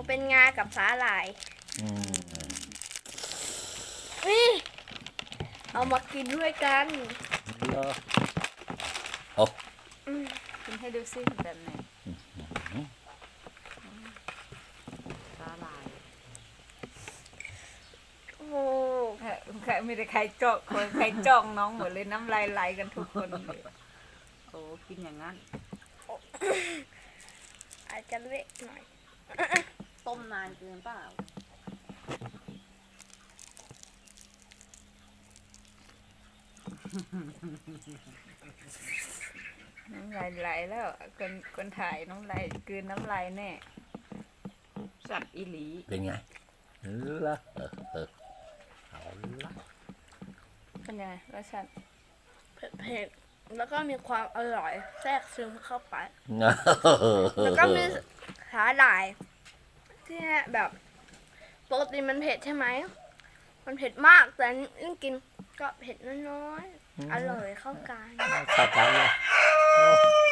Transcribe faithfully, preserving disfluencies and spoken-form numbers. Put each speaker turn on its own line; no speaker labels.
เป็นงากับสาหร่าย
อืม
นี่เอามากินด้วยกัน
เหรอโอ้
อืม
กินให้ดูซิแบบไหนสาหร่าย
โอ้
เออใครไม่ได้ใครจ้องคนใครจ้องน้องหมดเลยน้ำลายไหลกันทุกคนเลยโอ้กินอย่างนั้น
อาจจะเละหน่อย
ต้มนานเกินเปล่า
น้ำลายไหลแล้วคนคนถ่ายน้ำลายกลืนน้ำลายแน่สับอีหลี
เป็นไงเหรอเออเออเอาละ
เป็นยังไงรสชาติ
เผ็ดๆแล้วก็มีความอร่อยแทรกซึมเข้าไป
แล้
แล้วก็มีสาหร่ายที่แบบปกติมันเผ็ดใช่ไหม มันเผ็ดมากแต่ยิ่งกินก็เผ็ดน้อยๆ อร่อยเข้ากัน
เข้ากันเลย